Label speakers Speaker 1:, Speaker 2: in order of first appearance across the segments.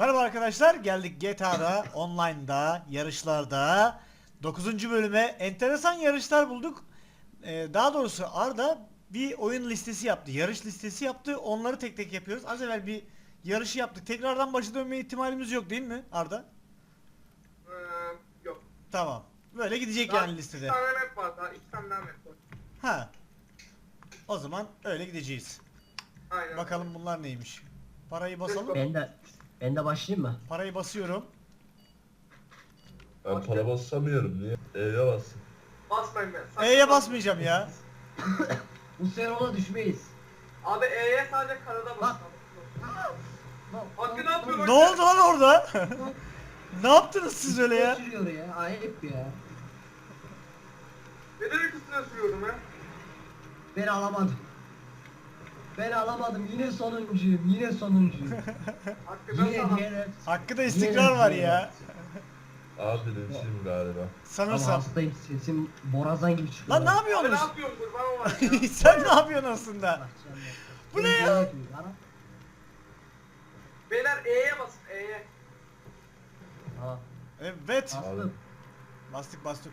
Speaker 1: Merhaba arkadaşlar, geldik GTA'da, online'da, yarışlarda 9. bölüme enteresan yarışlar bulduk. Daha doğrusu Arda bir oyun listesi yaptı, yarış listesi yaptı. Onları tek tek yapıyoruz. Az evvel bir yarışı yaptık. Tekrardan başa dönme ihtimalimiz yok değil mi Arda?
Speaker 2: Yok.
Speaker 1: Tamam. Böyle gidecek
Speaker 2: Daha
Speaker 1: yani
Speaker 2: iki
Speaker 1: listede.
Speaker 2: tane map var daha. İki tane daha map var.
Speaker 1: Ha. O zaman öyle gideceğiz.
Speaker 2: Aynen.
Speaker 1: Bakalım bunlar neymiş. Parayı basalım.
Speaker 3: Ben de başlayayım mı?
Speaker 1: Parayı basıyorum.
Speaker 4: Ben para basamıyorum niye? E'ye bas.
Speaker 2: Basmayın ben. Sakın
Speaker 1: E'ye
Speaker 2: basmayın.
Speaker 1: basmayacağım ya.
Speaker 3: Bu sefer ona düşmeyiz.
Speaker 2: Abi E'ye sadece karada bas. Hakkı ne yapıyor
Speaker 1: Ne oldu lan orada? Ne yaptınız siz öyle ya?
Speaker 3: Sürüyor ya. Ayıp ya.
Speaker 2: Neden üstüne sürüyorum ya?
Speaker 3: Ben alamadım. Ben alamadım. Yine sonuncuyum. Yine sonuncuyum.
Speaker 2: Hakkı ben
Speaker 3: yine
Speaker 2: sana.
Speaker 3: yine.
Speaker 1: Hakkıda istikrar var ya.
Speaker 4: Abi birinciyim galiba.
Speaker 3: Ama
Speaker 1: Sanırsam.
Speaker 3: hastayım. Sesim borazan gibi çıkıyor.
Speaker 1: Lan ne
Speaker 2: Abi ne
Speaker 1: yapıyorsunuz?
Speaker 2: yapıyorsun kurban olayım ya?
Speaker 1: Sen ne yapıyorsun aslında? Bu ne ya?
Speaker 2: Beyler E'ye basın E'ye.
Speaker 3: Ha,
Speaker 1: Evet.
Speaker 3: bastım.
Speaker 1: Bastık.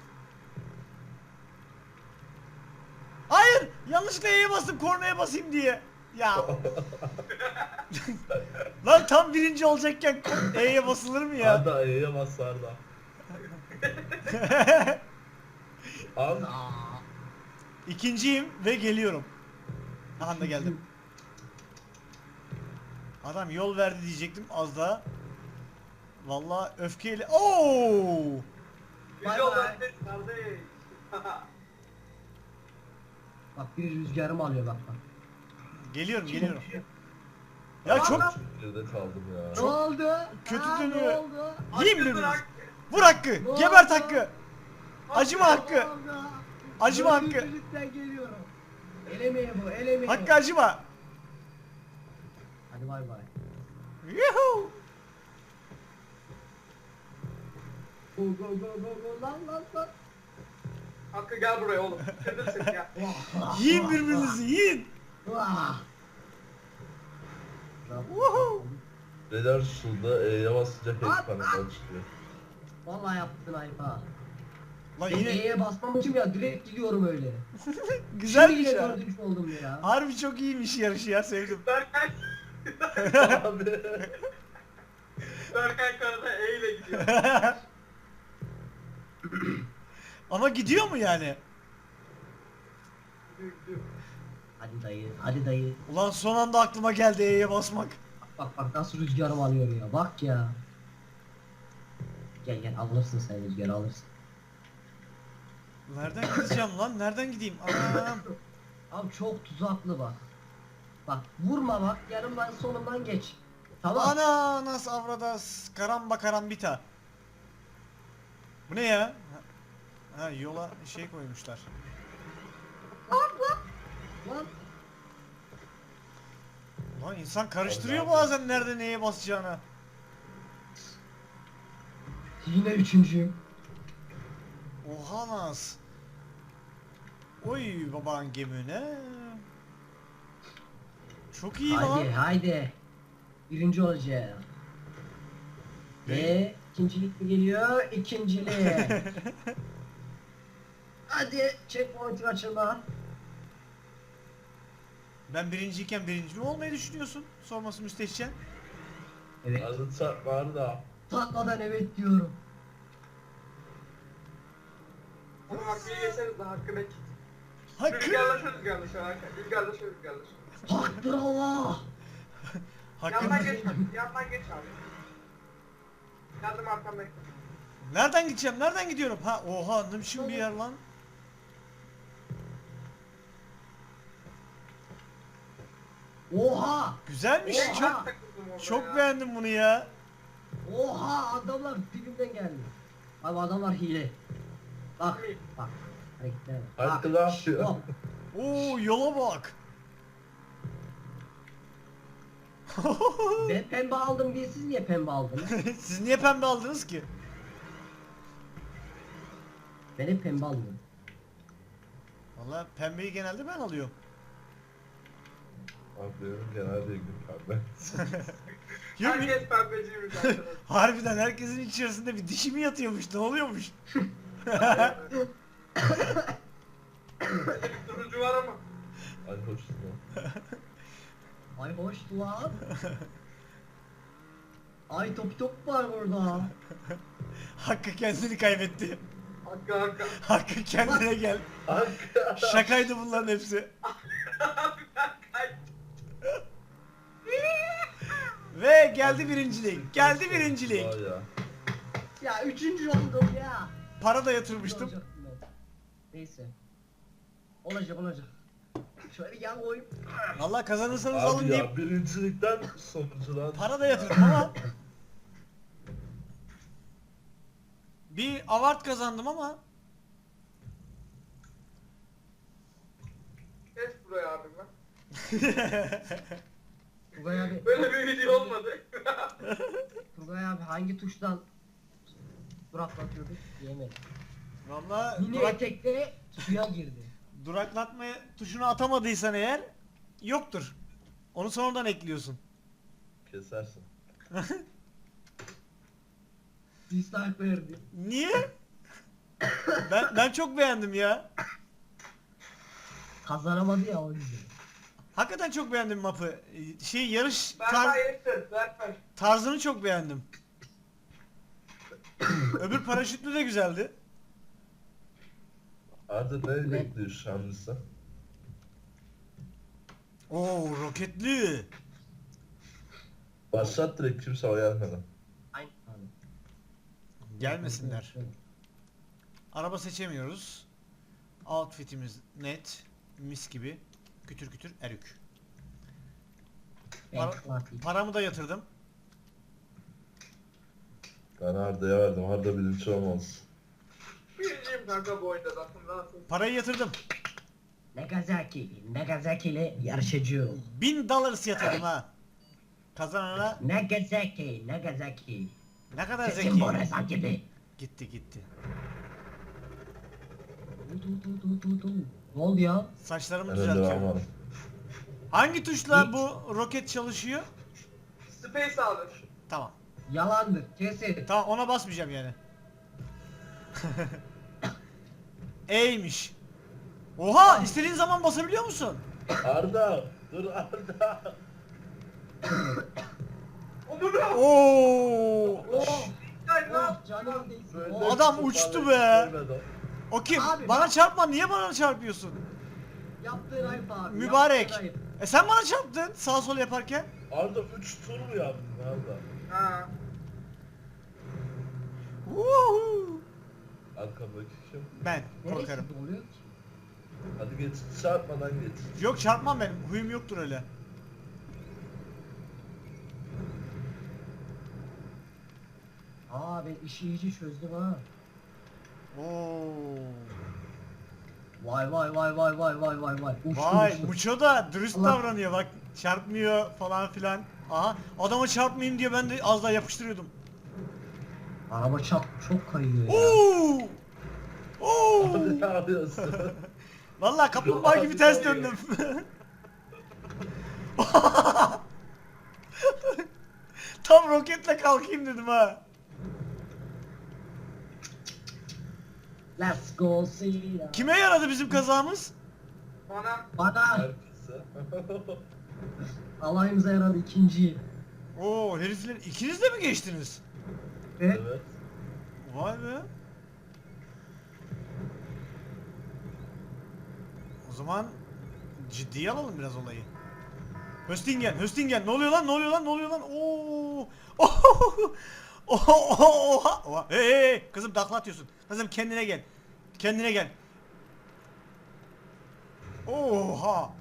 Speaker 1: Hayır! Yanlışlıkla E'ye bastım kornaya basayım diye. Ya. Lan tam birinci olacakken E'ye basılır mı ya?
Speaker 4: Arda E'ye bas Arda. Al.
Speaker 3: Aa,
Speaker 1: İkinciyim ve geliyorum. Aha da geldim. Adam yol verdi diyecektim az daha. Vallahi öfkeyle. Oo!
Speaker 3: Bay
Speaker 2: Güzel
Speaker 3: bay.
Speaker 2: lan kardeş.
Speaker 3: Bak bir rüzgarımı alıyor bak.
Speaker 1: Geliyorum. Ya çok
Speaker 4: Geride kaldım ya.
Speaker 3: Ne oldu?
Speaker 1: kötü
Speaker 3: Aa,
Speaker 1: dönüyor.
Speaker 3: Ne oldu?
Speaker 1: yiyeyim
Speaker 2: Hakkı
Speaker 1: birbirinizi.
Speaker 2: bırak.
Speaker 1: Vur Hakkı.
Speaker 3: Ne
Speaker 1: Gebert
Speaker 3: oldu?
Speaker 1: Hakkı. Acıma Hakkı.
Speaker 3: Ne oldu?
Speaker 1: Acıma Hakkı.
Speaker 3: Dördüncülükten geliyorum. Elemeye bu, elemeye.
Speaker 1: Hakkı acıma.
Speaker 3: Hadi bay bay.
Speaker 1: Yuhuu.
Speaker 3: Go go go go go lan.
Speaker 2: Hakkı gel buraya oğlum. Kırdırsın ya.
Speaker 1: Yiyin birbirinizi yiyin.
Speaker 3: Vah.
Speaker 1: Woohoo.
Speaker 4: Neler şurada E'ye basınca pek kanından çıkıyor.
Speaker 3: Vallahi yaptın ayıp ha.
Speaker 1: Lan
Speaker 3: Ben
Speaker 1: yine
Speaker 3: E'ye basmamışım ya, direkt gidiyorum öyle.
Speaker 1: güzelmiş
Speaker 3: Şimdi yine
Speaker 1: ya.
Speaker 3: dördüncü oldum ya.
Speaker 1: Harbi çok iyiymiş yarışı ya sevdim.
Speaker 2: Berkay.
Speaker 4: Abi.
Speaker 2: Berkay karada E ile gidiyor.
Speaker 1: Ama gidiyor mu yani?
Speaker 3: Hadi dayı.
Speaker 1: Ulan son anda aklıma geldi E'ye basmak.
Speaker 3: Bak nasıl rüzgarım alıyor ya, bak ya. Gel alırsın sen rüzgarı alırsın.
Speaker 1: Nereden gideceğim lan? Nereden gideyim? Anam.
Speaker 3: Abi çok tuzaklı bak. Bak vurma bak, yanımdan solumdan geç. Tamam.
Speaker 1: Ana nasıl avradas karamba karambita. Bu ne ya? Ha yola şey koymuşlar.
Speaker 3: Lan.
Speaker 1: Lan insan karıştırıyor bazen nerede neye basacağını.
Speaker 3: Yine üçüncüyüm.
Speaker 1: Oha nas. Oy baban gemine. Çok iyi lan.
Speaker 3: Haydi. Birinci olacağım. Ve ikincilik mi geliyor? İkincilik. Hadi checkpoint'i kaçırma.
Speaker 1: Ben birinciyken birinci mi olmayı düşünüyorsun? Sorması müstehcen.
Speaker 3: Evet.
Speaker 4: Arda çarpma Arda.
Speaker 3: Tatmadan evet diyorum.
Speaker 2: Oğlum Hakkı'yı geçeriz de Hakkı bekle.
Speaker 1: Hakkı.
Speaker 2: Rüzgarla şu Hakkı. Rüzgarla şu.
Speaker 3: Haktır Allah.
Speaker 1: Hakkı.
Speaker 2: Yandan geç abi. Yandan geç abi. Yardım arkamda.
Speaker 1: Nereden gideceğim? Nereden gidiyorum? Ha oha ne biçim bir yer lan.
Speaker 3: Oha.
Speaker 1: Güzelmiş.
Speaker 3: Oha.
Speaker 1: Çok beğendim bunu ya.
Speaker 3: Oha, adamlar dibimden geldi. Abi adamlar hile. Bak. Hareketlere bak.
Speaker 4: Hakkı ne yapıyor?
Speaker 3: Hop.
Speaker 1: Oo yola bak.
Speaker 3: Ben pembe aldım diye siz niye pembe aldınız?
Speaker 1: Siz niye pembe aldınız ki?
Speaker 3: Ben hep pembe alıyorum.
Speaker 1: Vallahi pembeyi genelde ben alıyorum.
Speaker 4: Abi benim genelde gün pembe.
Speaker 1: Yok,
Speaker 2: Herkes pembeciymiş arkadaşlar.
Speaker 1: harbiden herkesin içerisinde bir dişi mi yatıyormuş? Ne oluyormuş?
Speaker 2: Bende bir durucu var ama.
Speaker 4: Ay hoş lan.
Speaker 3: Ay hoş lan. Ay top var burada.
Speaker 1: Hakkı kendini kaybetti.
Speaker 2: Hakkı.
Speaker 1: Hakkı kendine gel.
Speaker 4: Arka.
Speaker 1: Şakaydı bunların hepsi. Ve geldi birincilik. Geldi birincilik.
Speaker 4: Vay ya.
Speaker 3: Ya 3. oldum ya.
Speaker 1: Para da yatırmıştım.
Speaker 3: Olacaktım ben. Neyse. Olacak. Şöyle bir yan koyayım.
Speaker 1: Vallahi kazanırsanız alın
Speaker 4: Abi
Speaker 1: deyip
Speaker 4: ya birincilikten sonunculuğa
Speaker 1: para da yatırdım ama bir award kazandım ama
Speaker 2: Kes buraya abi ben.
Speaker 3: Turgay abi,
Speaker 2: Böyle bir video olmadı.
Speaker 3: Turgay abi hangi tuştan duraklatıyorduk? Diyemedim.
Speaker 1: vallahi
Speaker 3: Mini etekte suya girdi.
Speaker 1: duraklatma tuşunu atamadıysan eğer yoktur. Onu sonradan ekliyorsun.
Speaker 4: kesersin.
Speaker 3: Dislike verdi.
Speaker 1: Niye? Ben çok beğendim ya.
Speaker 3: Kazanamadı ya o yüzden.
Speaker 1: Hakikaten çok beğendim map'ı. Yarış
Speaker 2: Berkay yetti. Berkay.
Speaker 1: tarzını çok beğendim. Öbür paraşütlü de güzeldi.
Speaker 4: Arda ne bekliyor şu an sen?
Speaker 1: Oo, roketli.
Speaker 4: Başlat direkt kimse o gelmeden.
Speaker 3: Aynen abi.
Speaker 1: Gelmesinler. Araba seçemiyoruz. Outfitimiz net. Mis gibi. Kütür kütür erük.
Speaker 3: Ben Fatih.
Speaker 1: Paramı da yatırdım.
Speaker 4: Ben Arda'ya verdim. Arda birinci olmaz.
Speaker 2: Birinciyim kanka bu oyunda zaten rahatsız.
Speaker 1: Parayı yatırdım.
Speaker 3: Nagasaki ile yarışacağım.
Speaker 1: $1000 yatırdım ha. Kazanana
Speaker 3: Nagasaki.
Speaker 1: ne kadar
Speaker 3: Sesim
Speaker 1: zeki.
Speaker 3: Borazan gibi.
Speaker 1: Gitti.
Speaker 3: Ne oldu ya?
Speaker 1: Saçlarımı
Speaker 4: Ben önde ben
Speaker 1: düzeltiyorum.
Speaker 4: varım.
Speaker 1: Hangi tuşla
Speaker 3: Hiç.
Speaker 1: bu roket çalışıyor?
Speaker 2: Space alır.
Speaker 1: Tamam.
Speaker 3: Yalandır. Kesin.
Speaker 1: Tamam, ona basmayacağım yani. E'ymiş. Oha, istediğin zaman basabiliyor musun?
Speaker 4: Arda! Dur Arda!
Speaker 2: Umurum.
Speaker 1: Oo!
Speaker 2: Oh. Hayır lan.
Speaker 3: Oh canım değsin.
Speaker 4: Böyle
Speaker 3: Oh.
Speaker 1: Adam
Speaker 4: bir
Speaker 1: uçtu
Speaker 4: toparlayıp
Speaker 1: be.
Speaker 4: görmedi
Speaker 1: O kim?
Speaker 3: Abi
Speaker 1: Bana
Speaker 3: bak-
Speaker 1: çarpma. Niye bana çarpıyorsun?
Speaker 3: Yaptığın ayıp abi.
Speaker 1: Mübarek.
Speaker 3: yaptığın ayıp.
Speaker 1: Sen bana çarptın sağ sol yaparken.
Speaker 4: o. Arda 3 tur mu yaptın Arda?
Speaker 2: Ha.
Speaker 1: Uhu.
Speaker 4: Arkamdaki kim?
Speaker 1: Ben
Speaker 3: Neresi
Speaker 1: korkarım.
Speaker 3: doluyor ki?
Speaker 4: Hadi geç, çarpmadan geç.
Speaker 1: Yok, çarpmam benim. Huyum yoktur öyle.
Speaker 3: Aa ben işi iyice çözdüm ha.
Speaker 1: Oo.
Speaker 3: Vay. Uçtum,
Speaker 1: Vay,
Speaker 3: uçtum.
Speaker 1: Muço da dürüst
Speaker 3: Allah.
Speaker 1: davranıyor bak. Çarpmıyor falan filan. Aha, adama çarpmayayım diye ben de az daha yapıştırıyordum.
Speaker 3: Araba çok kayıyor ya.
Speaker 1: Oo! Oo!
Speaker 4: Arda ne yapıyorsun?
Speaker 1: Vallahi kaplumbağa gibi ters döndüm. Tam roketle kalkayım dedim ha.
Speaker 3: Let's go see ya.
Speaker 1: Kime yaradı bizim kazamız?
Speaker 2: Bana.
Speaker 3: Bana
Speaker 4: Herkese.
Speaker 3: alayımıza yaradı ikinci.
Speaker 1: Oo, herifler ikiniz de mi geçtiniz?
Speaker 3: Evet.
Speaker 4: Evet.
Speaker 1: Vay be. O zaman ciddiye alalım biraz olayı. Höstingen. Ne oluyor lan? Oo! Oha! Hey, kızım takla atıyorsun. Kızım kendine gel. Oha!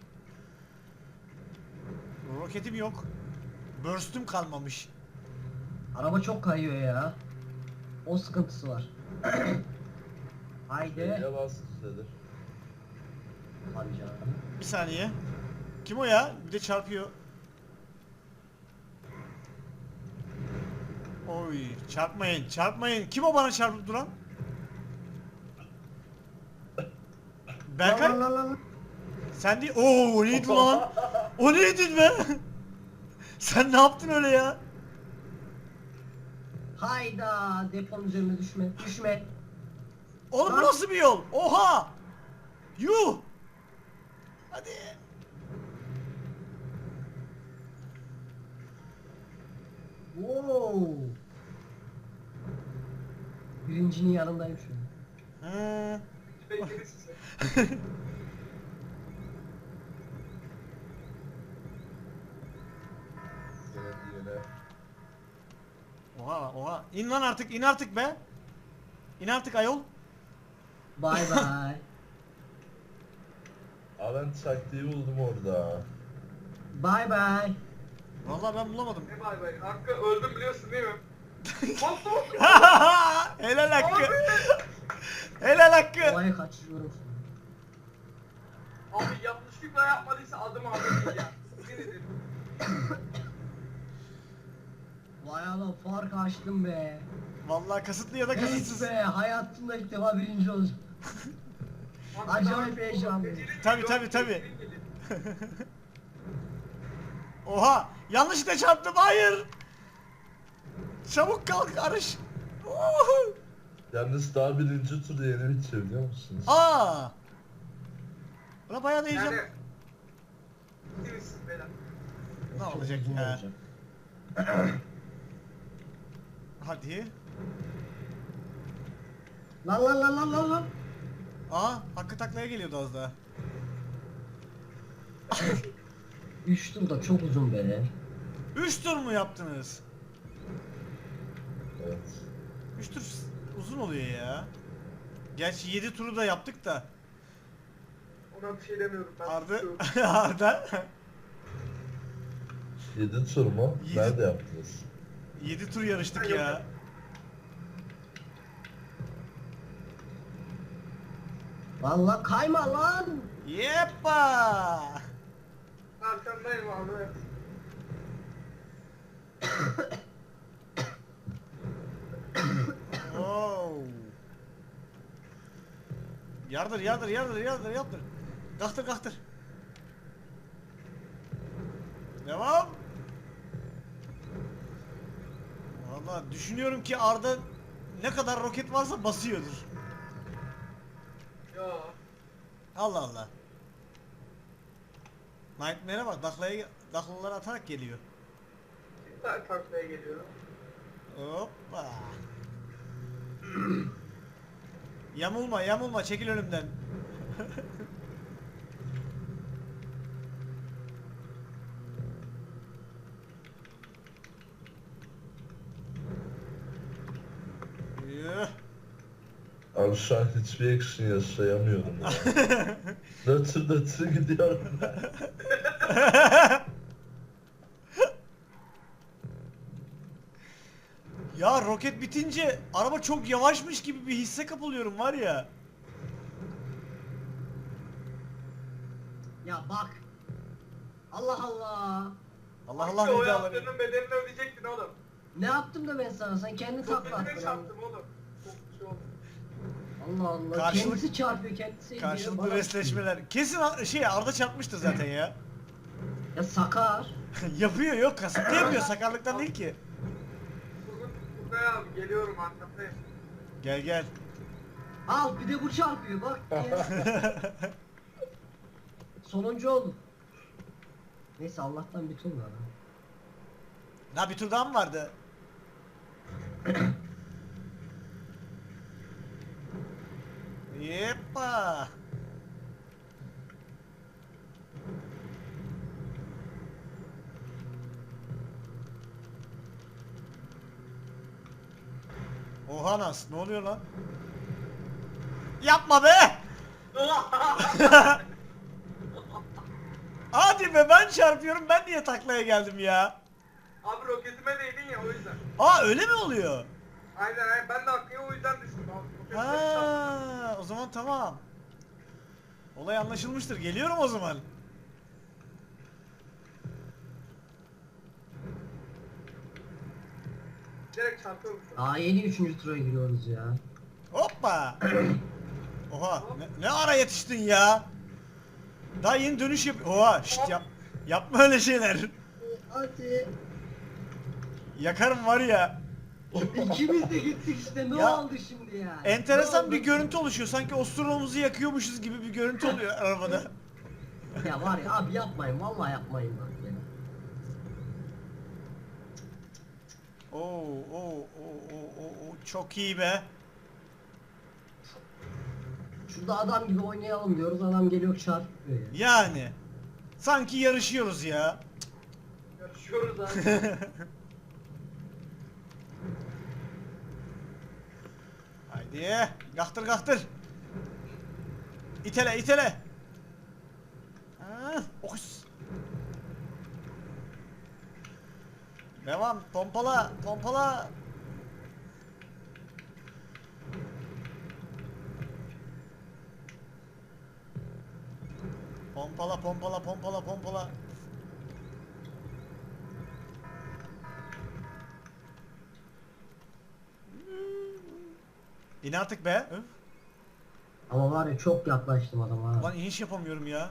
Speaker 1: Roketim yok. Burst'üm kalmamış.
Speaker 3: Araba çok kayıyor ya. O sıkıntısı var. Haydi.
Speaker 4: Beyne bas dedi.
Speaker 3: Hadi canım.
Speaker 1: Bir saniye. Kim o ya? Bir de çarpıyor. Oy, çarpmayın. Kim o bana çarpıp duran? Berkay,
Speaker 3: Lan.
Speaker 1: sen değil. Oo, o neydi lan? O neydi be? Sen ne yaptın öyle ya?
Speaker 3: Hayda, deponun üzerine düşme. Düşme.
Speaker 1: Oğlum bu
Speaker 3: Lan.
Speaker 1: nasıl bir yol? Oha! Yuh! Hadi.
Speaker 3: Wow. Birincinin yanındayım şu an.
Speaker 1: Hı.
Speaker 2: Bekledik sizi.
Speaker 4: Yine.
Speaker 1: Oha oha. İn lan artık, in artık be. İn artık ayol.
Speaker 3: Bye bye.
Speaker 4: Aa ben taktiği buldum orada.
Speaker 3: Bye bye.
Speaker 1: Vallahi ben bulamadım.
Speaker 2: Ne bay bay. Hakkı öldüm biliyorsun değil mi? Bastı.
Speaker 1: Helal Hakkı. Helal Hakkı.
Speaker 3: Olayı kaçırıyorum şu an.
Speaker 2: Abi yanlışlıkla yapmadıysa adım abi değil ya. Yemin ederim.
Speaker 3: Vay Allah, fark açtım be.
Speaker 1: Vallahi kasıtlı ya da
Speaker 3: Evet
Speaker 1: kasıtsız.
Speaker 3: be, hayatımda ilk defa birinci olacağım. Acayip heyecanlıyım.
Speaker 1: Tabi. Oha! Yanlışlıkla çarptım. Hayır. Çabuk kalk Arış. Uhu.
Speaker 4: Yalnız daha birinci tur yeni bitiyor biliyor musunuz?
Speaker 1: Aa! Buna bayağı da heyecan.
Speaker 2: Yani. Gittiniz beyler.
Speaker 1: Ne
Speaker 3: Çok
Speaker 1: olacak
Speaker 3: uzun
Speaker 1: ya?
Speaker 3: olacak.
Speaker 1: Hadi.
Speaker 3: Lan lan lan lan lan lan.
Speaker 1: Aa, Hakkı taklaya geliyordu az daha.
Speaker 3: 3 tur da çok uzun be.
Speaker 1: 3 tur mu yaptınız?
Speaker 4: Evet.
Speaker 1: 3 tur uzun oluyor ya. Gerçi 7 turu da yaptık da.
Speaker 2: Ona bir şey demiyorum ben.
Speaker 1: Arda
Speaker 2: susuyorum.
Speaker 1: Arda
Speaker 4: 7 tur mu?
Speaker 1: Yedi-
Speaker 4: Nerede yaptınız?
Speaker 1: 7 tur yarıştık
Speaker 2: Yok.
Speaker 1: ya.
Speaker 3: Vallahi kayma lan.
Speaker 1: Yeppa!
Speaker 2: Arkandayım abi.
Speaker 1: Oh. Yardır. Kalktır. Devam. Vallahi düşünüyorum ki Arda ne kadar roket varsa basıyordur.
Speaker 2: Ya.
Speaker 1: Allah Allah. Nightmare'e bak, daklaları atarak geliyor.
Speaker 2: Kimler taklaya geliyor?
Speaker 1: Hoppa. Yamulma, çekil önümden. Yuh.
Speaker 4: Abi şu an hiçbir action yaşayamıyorum ya. Nötr gidiyorum ben.
Speaker 1: Ya roket bitince araba çok yavaşmış gibi bir hisse kapılıyorum var ya.
Speaker 3: Ya bak. Allah Allah.
Speaker 1: Allah
Speaker 2: Hakkı,
Speaker 1: Allah
Speaker 2: o
Speaker 1: ne dağları.
Speaker 2: yaptığının bedelini ödeyecektin oğlum.
Speaker 3: Ne yaptım da ben sana? Sen kendi takla
Speaker 2: Roketine
Speaker 3: attın.
Speaker 2: çarptım oğlum. Çok bir şey oldu.
Speaker 3: Allah Allah.
Speaker 1: Karşılık-
Speaker 3: Kendisi çarpıyor, kendisi ediyor.
Speaker 1: Karşılıklı
Speaker 3: Bana-
Speaker 1: resleşmeler. Kesin Arda çarpmıştır zaten ya.
Speaker 3: Ya sakar.
Speaker 1: Yapıyor, yok kasıtlı yapıyor, sakarlıktan değil ki.
Speaker 2: Turgay abi geliyorum arkandayım.
Speaker 1: Gel.
Speaker 3: Al bir de bu çarpıyor bak. Ya. Sonuncu oldum. Neyse Allah'tan bir tur var. ha.
Speaker 1: Daha bir tur daha mı vardı? Yeppa. Oha Nas, ne oluyor lan? Yapma be! Hadi be, ben çarpıyorum, ben niye taklaya geldim ya?
Speaker 2: Abi roketime değdin ya o yüzden.
Speaker 1: Aa, öyle mi oluyor?
Speaker 2: Aynen ben de Hakkı'ya o yüzden düştüm abi. Roketime çarptım.
Speaker 1: Ha, o zaman tamam. Olay anlaşılmıştır. Geliyorum o zaman.
Speaker 2: Direkt çarpıyorum şu an.
Speaker 3: Aa yeni 3. tura giriyoruz ya.
Speaker 1: Hoppa. Oha, ne ara yetiştin ya? Daha yeni dönüş yap. Oha, şşt yapma öyle şeyler.
Speaker 3: Hadi.
Speaker 1: Yakarım var ya.
Speaker 3: İkimiz de gittik işte. Ne
Speaker 1: Ya,
Speaker 3: oldu şimdi ya?
Speaker 1: Enteresan
Speaker 3: Ne
Speaker 1: bir
Speaker 3: oldu?
Speaker 1: görüntü oluşuyor. Sanki osurumuzu yakıyormuşuz gibi bir görüntü oluyor arabada.
Speaker 3: Ya var ya abi yapmayın. Vallahi yapmayın bak ya.
Speaker 1: Oo, çok iyi be.
Speaker 3: Şurada adam gibi oynayalım diyoruz. Adam geliyor çarpıyor ya.
Speaker 1: Yani. Sanki yarışıyoruz ya.
Speaker 2: Yarışıyoruz abi.
Speaker 1: Haydi. Kaktır kaktır. İtele itele. Ha, okus. Devam. Pompala. Pompala. Pompala pompala pompala pompala. İn artık be. Öf.
Speaker 3: Ama var ya çok yaklaştım adama.
Speaker 1: Lan iniş yapamıyorum ya.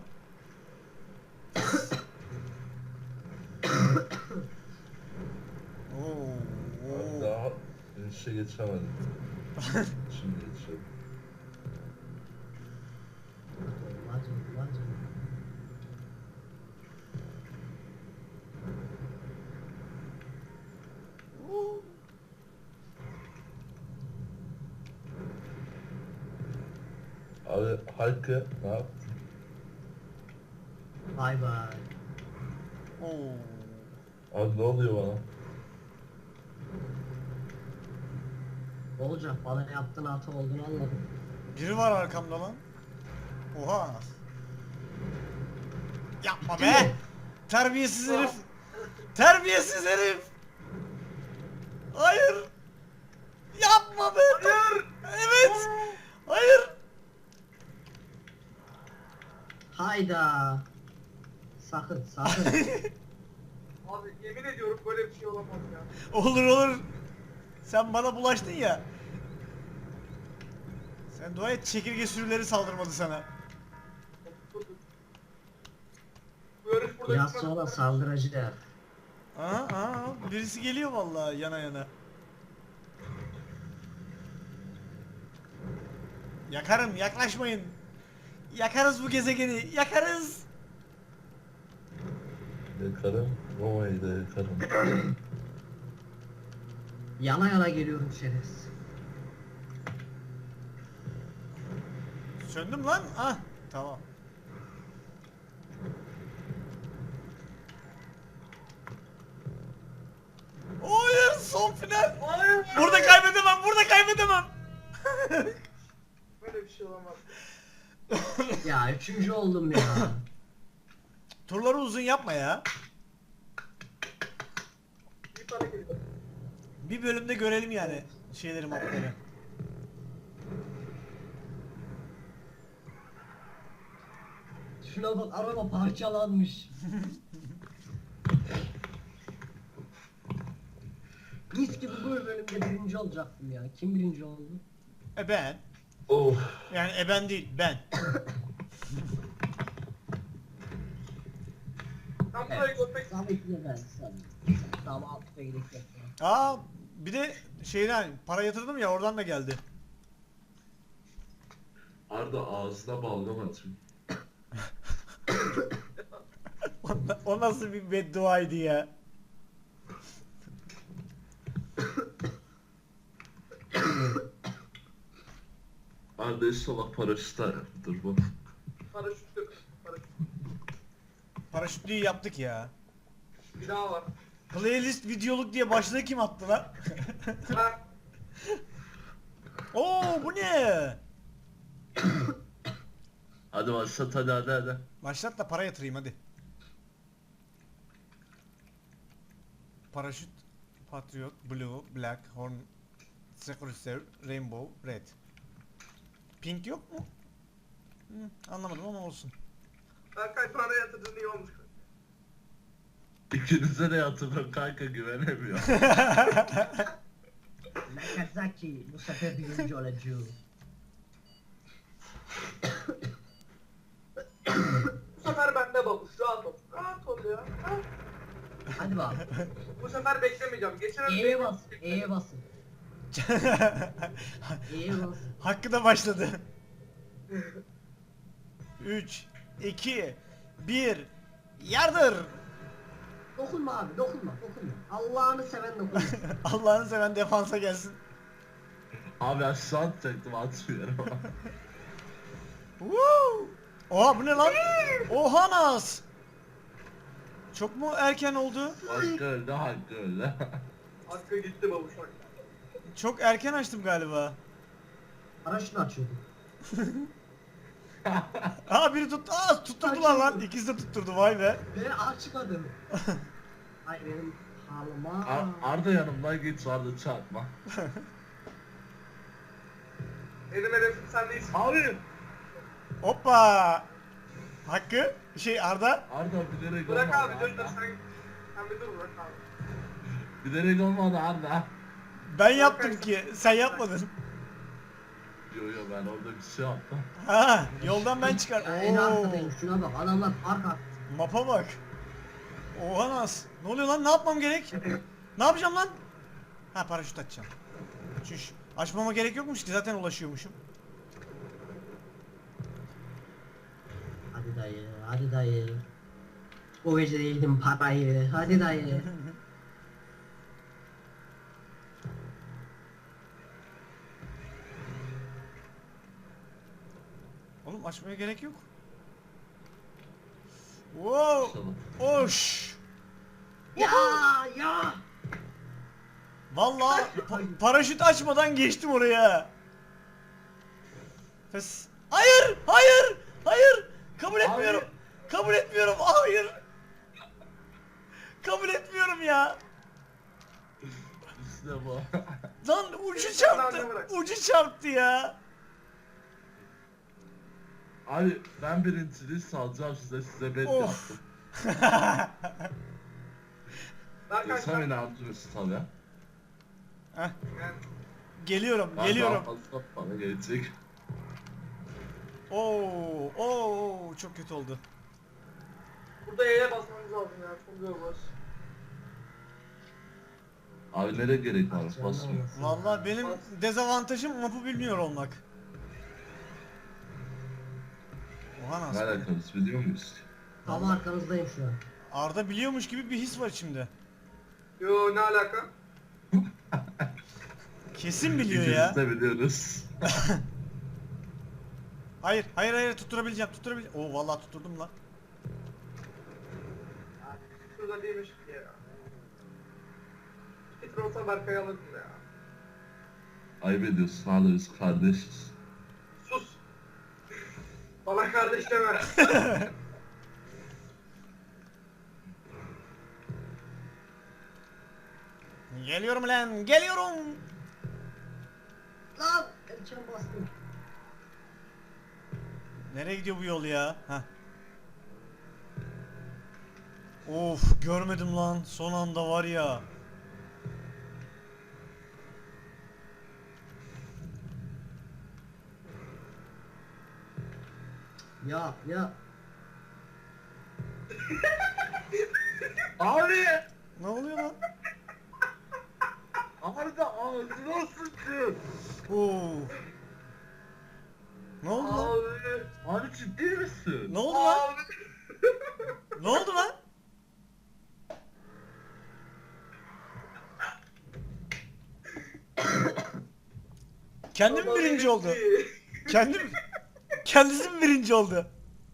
Speaker 1: Oo,
Speaker 4: Ben
Speaker 1: oo.
Speaker 4: daha inişe geçemedim. Şimdi geçiyorum.
Speaker 3: Hadi.
Speaker 4: Abi Hakkı ne yaptın?
Speaker 3: Bay bay.
Speaker 1: Oo.
Speaker 4: Abi ne oluyor bana?
Speaker 3: Olacak bana yaptığın hata olduğunu anladım.
Speaker 1: Biri var arkamda lan. Oha. Yapma be. Terbiyesiz herif. Terbiyesiz herif. Hayır. Yapma be.
Speaker 2: Hayır.
Speaker 1: Evet. Hayır.
Speaker 3: Hayda. Sakın.
Speaker 2: Abi yemin ediyorum böyle bir şey olamaz ya.
Speaker 1: Olur olur. Sen bana bulaştın ya. Sen dua et çekirge sürüleri saldırmadı sana.
Speaker 2: Dur. Bu yarış burada
Speaker 3: Biraz
Speaker 2: bitmez.
Speaker 3: sonra saldıracak.
Speaker 1: Birisi geliyor vallahi yana yana. Yakarım, yaklaşmayın. Yakarız bu gezegeni, yakarız.
Speaker 4: Yakarım. Roma'yı da yakarım.
Speaker 3: Yana geliyorum şerefsiz.
Speaker 1: Söndüm lan. Ah, tamam. Hayır, son final.
Speaker 2: Hayır.
Speaker 1: Burada kaybedemem, burada kaybedemem.
Speaker 2: Böyle bir şey olamaz.
Speaker 3: Ya üçüncü oldum ya.
Speaker 1: Turları uzun yapma ya.
Speaker 2: Bir tane geliyor.
Speaker 1: Bir bölümde görelim yani şeyleri, mapları.
Speaker 3: Şuna bak araba parçalanmış. Mis gibi bu bölümde birinci olacaktım ya. Kim birinci oldu?
Speaker 1: Ben.
Speaker 4: Of.
Speaker 1: Yani ben değil, ben.
Speaker 2: Ben burayı görmek
Speaker 3: Samet'le ben sen. Tamam altta gidelim.
Speaker 1: Aa, bir de şeyden para yatırdım ya, oradan da geldi.
Speaker 4: Arda ağzına balgam atayım.
Speaker 1: O nasıl bir bedduaydı ya?
Speaker 4: Arda inşallah paraşütler dur bu.
Speaker 2: paraşütlü. Paraşüt.
Speaker 1: Paraşütlüyü yaptık ya.
Speaker 2: Bir daha var.
Speaker 1: Playlist videoluk diye başlığı kim attı lan?
Speaker 2: Ha.
Speaker 1: Oo, bu ne?
Speaker 4: Hadi başlat hadi.
Speaker 1: Başlat da para yatırayım hadi. Paraşüt, Patriot, Blue, Black, Horn, Secret, Rainbow, Red. Pink yok mu? Anlamadım ama olsun.
Speaker 2: Berkay para yatırdığın iyi olmuş.
Speaker 4: İkinize de yatırdım kanka güvenemiyor.
Speaker 3: Nakazaki bu sefer birinci olacağım.
Speaker 2: Bu sefer bende babuş. Rahat ol. Rahat ol ya. Ha.
Speaker 3: Hadi
Speaker 2: Bu sefer beklemeyeceğim. Geçen
Speaker 3: E'ye bas. E'ye basın. E'ye bas.
Speaker 1: Hakkı da başladı. 3, 2, 1, yardır.
Speaker 3: Dokunma abi dokunma. Allah'ını seven dokunma.
Speaker 1: Allah'ını seven defansa gelsin.
Speaker 4: Abi aşağı atacaktım atmıyorum.
Speaker 1: Woo! Oha bu ne lan? Oha nas. Çok mu erken oldu?
Speaker 4: Hakkı öldü Hakkı öldü.
Speaker 2: Hakkı gitti babuşak.
Speaker 1: Çok erken açtım galiba.
Speaker 3: Paraşütü açıyordum.
Speaker 1: Aa biri tuttu. Aa tutturdular lan. İkisi de tutturdu vay be.
Speaker 3: Ben açmadım. Ay benim halıma.
Speaker 4: Arda yanımdan geç Arda çarpma.
Speaker 2: Benim hedefim sen değilsin.
Speaker 4: Abi!
Speaker 1: Hoppa. Hakkı. Arda.
Speaker 4: Arda bilerek
Speaker 2: Bırak
Speaker 4: olmadı
Speaker 2: abi dur dur
Speaker 4: Arda.
Speaker 2: sen bir dur bırak abi.
Speaker 4: Bilerek olmadı Arda.
Speaker 1: Ben yaptım ki. Sen yapmadın.
Speaker 4: Yo ben orada bir şey yaptım.
Speaker 1: Ha, yoldan ben çıkar.
Speaker 3: Ya en
Speaker 1: Oo.
Speaker 3: arkadayım şuna bak adamlar fark attı.
Speaker 1: Mapa bak. Oha nas. Ne oluyor lan? Ne yapmam gerek? Ne yapacağım lan? Ha paraşüt açacağım. Çüş. Açmama gerek yokmuş ki zaten ulaşıyormuşum.
Speaker 3: Hadi dayı. O gece de yedim parayı. Hadi dayı.
Speaker 1: Oğlum açmaya gerek yok. Wow. Oş.
Speaker 3: Ya.
Speaker 1: Vallahi paraşüt açmadan geçtim oraya. Pes. Hayır, hayır, hayır. Kabul etmiyorum. Kabul etmiyorum. Hayır. Kabul etmiyorum ya.
Speaker 4: İşte bu.
Speaker 1: Lan ucu çarptı. Ucu çarptı ya.
Speaker 4: Abi ben birinciliği salacağım size bet
Speaker 1: Of.
Speaker 4: yaptım.
Speaker 2: Ben
Speaker 4: Sen
Speaker 2: kaçtım.
Speaker 4: inandırırsın tabii.
Speaker 1: Heh,
Speaker 2: Yani
Speaker 1: geliyorum,
Speaker 4: Ben
Speaker 1: geliyorum.
Speaker 4: daha fazla bana gelecek.
Speaker 1: Oo, çok kötü oldu.
Speaker 2: burada E'ye basmamız lazım ya. Çok zor var.
Speaker 4: Abi nereye gerek var?
Speaker 3: Açacağım
Speaker 4: Basmıyor.
Speaker 3: anasını.
Speaker 1: Vallahi benim dezavantajım map'ı bilmiyor olmak. Oha
Speaker 4: Ne
Speaker 1: nasıl?
Speaker 4: alakamız biliyor muyuz?
Speaker 3: Tam arkanızdayım şu an.
Speaker 1: Arda biliyormuş gibi bir his var içimde.
Speaker 2: Yo ne alaka?
Speaker 1: Kesin biliyor
Speaker 4: İkimiz
Speaker 1: ya.
Speaker 4: de biliyoruz.
Speaker 1: Hayır, hayır, hayır tutturabileceğim, tutturabileceğim. Oo vallahi tutturdum lan.
Speaker 2: Şurada değilmiş ki ya. Petrol olsa Berkay'ı alırdım ya.
Speaker 4: Ayıp ediyorsun hala biz kardeşiz.
Speaker 2: Sus. Bana kardeş deme.
Speaker 1: Geliyorum lan, geliyorum.
Speaker 3: Lan erken bastım.
Speaker 1: Nereye gidiyor bu yol ya? Heh. Of, görmedim lan. Son anda var ya.
Speaker 3: Ya.
Speaker 4: Abi!
Speaker 1: Ne oluyor lan?
Speaker 4: Arda ağzına sıçtı.
Speaker 1: Oo. Ne oldu lan?
Speaker 2: Abi.
Speaker 4: Abi ciddi misin?
Speaker 1: Ne oldu lan?
Speaker 2: Abi.
Speaker 1: Ne oldu lan? Kendim mi birinci oldu? Kendisi mi birinci oldu?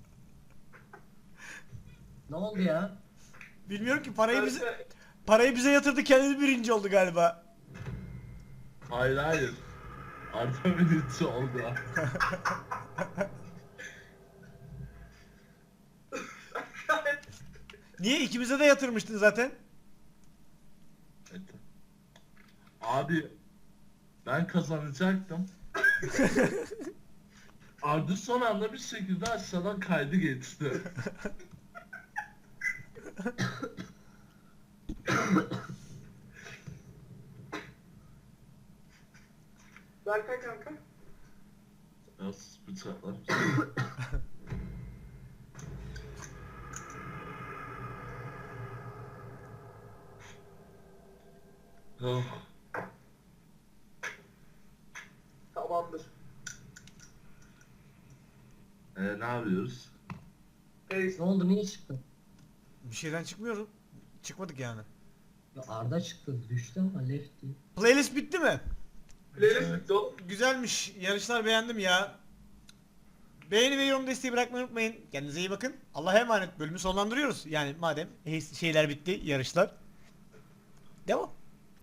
Speaker 3: Ne oldu ya?
Speaker 1: Bilmiyorum ki parayı bize yatırdı, kendisi birinci oldu galiba.
Speaker 4: Hayır. Arda birinci oldu.
Speaker 1: Niye ikimize de yatırmıştın zaten?
Speaker 4: Evet. Abi ben kazanacaktım. Arda son anda bir şekilde aşağıdan kaydı geçti.
Speaker 2: Berkay kanka.
Speaker 4: Ya sus bıçaklar. Yok.
Speaker 2: Tamamdır.
Speaker 4: Ne yapıyoruz?
Speaker 2: Reis.
Speaker 3: Ne oldu, niye çıktın?
Speaker 1: Bir şeyden çıkmıyorum. Çıkmadık yani.
Speaker 3: Ya Arda çıktı, düştü ama lefty.
Speaker 1: Playlist bitti mi?
Speaker 2: Playlist bitti oğlum.
Speaker 1: Güzelmiş. Yarışlar beğendim ya. Beğeni ve yorum desteği bırakmayı unutmayın. Kendinize iyi bakın. Allah'a emanet. Bölümü sonlandırıyoruz. Yani madem şeyler bitti, yarışlar. Devam.